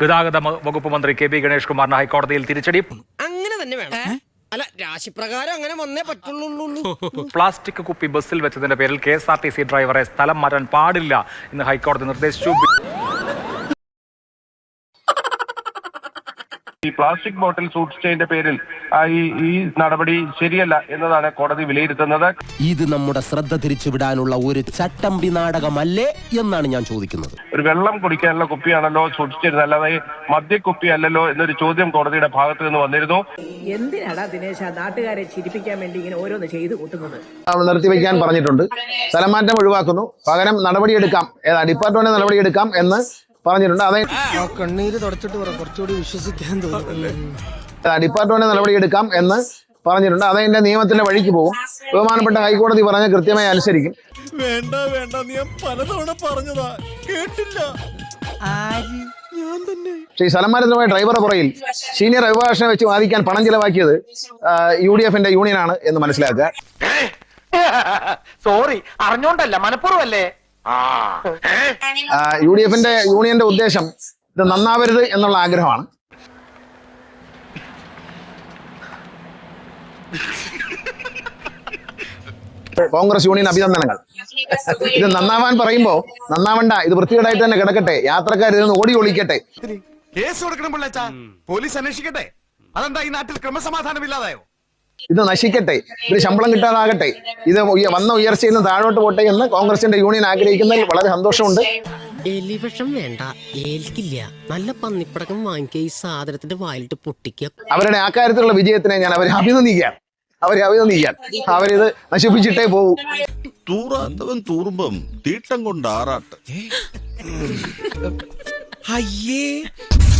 ഗതാഗത വകുപ്പ് മന്ത്രി കെ ബി ഗണേഷ് കുമാറിന് ഹൈക്കോടതിയിൽ തിരിച്ചടി. അങ്ങനെ തന്നെ വേണം. അല്ല, രാശിപ്രകാരം അങ്ങനെ വന്നേ പറ്റുള്ളൂ. പ്ലാസ്റ്റിക് കുപ്പി ബസ്സിൽ വെച്ചതിന്റെ പേരിൽ KSRTC ഡ്രൈവറെ സ്ഥലം മാറ്റാൻ പാടില്ല എന്ന് ഹൈക്കോടതി നിർദ്ദേശിച്ചു. ഈ പ്ലാസ്റ്റിക് ബോട്ടിൽ സൂക്ഷിച്ചതിന്റെ പേരിൽ ഈ നടപടി ശരിയല്ല എന്നതാണ് കോടതി വിലയിരുത്തുന്നത്. ഇത് നമ്മുടെ ശ്രദ്ധ തിരിച്ചുവിടാനുള്ള ഒരു ചട്ടമ്പി നാടകമല്ലേ എന്നാണ് ഞാൻ ചോദിക്കുന്നത്. ഒരു വെള്ളം കുടിക്കാനുള്ള കുപ്പിയാണല്ലോ സൂക്ഷിച്ചിരുന്നത്, അല്ലാതെ മദ്യക്കുപ്പി അല്ലല്ലോ എന്നൊരു ചോദ്യം കോടതിയുടെ ഭാഗത്ത് നിന്ന് വന്നിരുന്നു. എന്തിനാടാ ദിനേശ നാട്ടുകാരെ ചിരിപ്പിക്കാൻ വേണ്ടി ഇങ്ങനെ ഓരോന്ന് ചെയ്തു കൂട്ടുന്നത്? നിർത്തിവെക്കാൻ പറഞ്ഞിട്ടുണ്ട്. സ്ഥലമാറ്റം ഒഴിവാക്കുന്നു, പകരം നടപടിയെടുക്കാം, ഡിപ്പാർട്ട്മെന്റ് നടപടിയെടുക്കാം എന്ന് പറഞ്ഞിട്ടുണ്ട്. അതെ, കണ്ണീര് തുടച്ചിട്ട് കുറച്ചുകൂടി വിശ്വസിക്കാൻ തോന്നുന്നു. ഡിപ്പാർട്ട്മെന്റ് നടപടിയെടുക്കാം എന്ന് പറഞ്ഞിട്ടുണ്ട്. അതെന്റെ നിയമത്തിന്റെ വഴിക്ക് പോകും. ബഹുമാനപ്പെട്ട ഹൈക്കോടതി പറഞ്ഞ കൃത്യമായി അനുസരിക്കും. വേണ്ട വേണ്ട, നീ പലതവണ പറഞ്ഞതാ, കേട്ടില്ല. ഞാൻ തന്നെ ഈ സ്ഥലമാറ്റത്തിനുമായി ഡ്രൈവറുടെ പുറയിൽ സീനിയർ അഭിഭാഷകനെ വെച്ച് വാദിക്കാൻ പണം ചിലവാക്കിയത് UDF യൂണിയനാണ് എന്ന് മനസ്സിലാക്കുക. സോറി, അറിഞ്ഞോണ്ടല്ല, മനഃപൂർവ്വമല്ലേ. UDF യൂണിയന്റെ ഉദ്ദേശം ഇത് നന്നാവരുത് എന്നുള്ള ആഗ്രഹമാണ്. കോൺഗ്രസ് യൂണിയൻ അഭിനന്ദനങ്ങൾ. ഇത് നന്നാവാൻ പറയുമ്പോ നന്നാവണ്ട, ഇത് വൃത്തികേടായിട്ട് തന്നെ കിടക്കട്ടെ, യാത്രക്കാർ ഇതിന് ഓടി ഒളിക്കട്ടെ. കേസ് കൊടുക്കണം പിള്ളേച്ചാ, പോലീസ് അന്വേഷിക്കട്ടെ. അതെന്താ ഈ നാട്ടിൽ ക്രമസമാധാനം ഇല്ലാതായോ? ഇത് നശിക്കട്ടെ, ഇത് ശമ്പളം കിട്ടാതാകട്ടെ, ഇത് വന്ന ഉയർച്ചയിൽ നിന്ന് താഴോട്ട് പോട്ടെ എന്ന് കോൺഗ്രസിന്റെ യൂണിയൻ ആഗ്രഹിക്കുന്നതിൽ വളരെ സന്തോഷമുണ്ട്. എലിവിഷം വേണ്ട, ഏൽക്കില്ല. നല്ല പന്നിപ്പടക്കം വാങ്ങിക്കുക, ഈ സാധനത്തിന്റെ വായിലിട്ട് പൊട്ടിക്കുക. അവരുടെ ആ കാര്യത്തിലുള്ള വിജയത്തിനെ ഞാൻ അവരെ അഭിനന്ദിക്കാൻ. അവരിത് നശിപ്പിച്ചിട്ടേ പോകൂ. തൂറാത്തവൻ തൂറുമ്പം തീട്ടം കൊണ്ട് ആറാട്ട്. അയ്യേ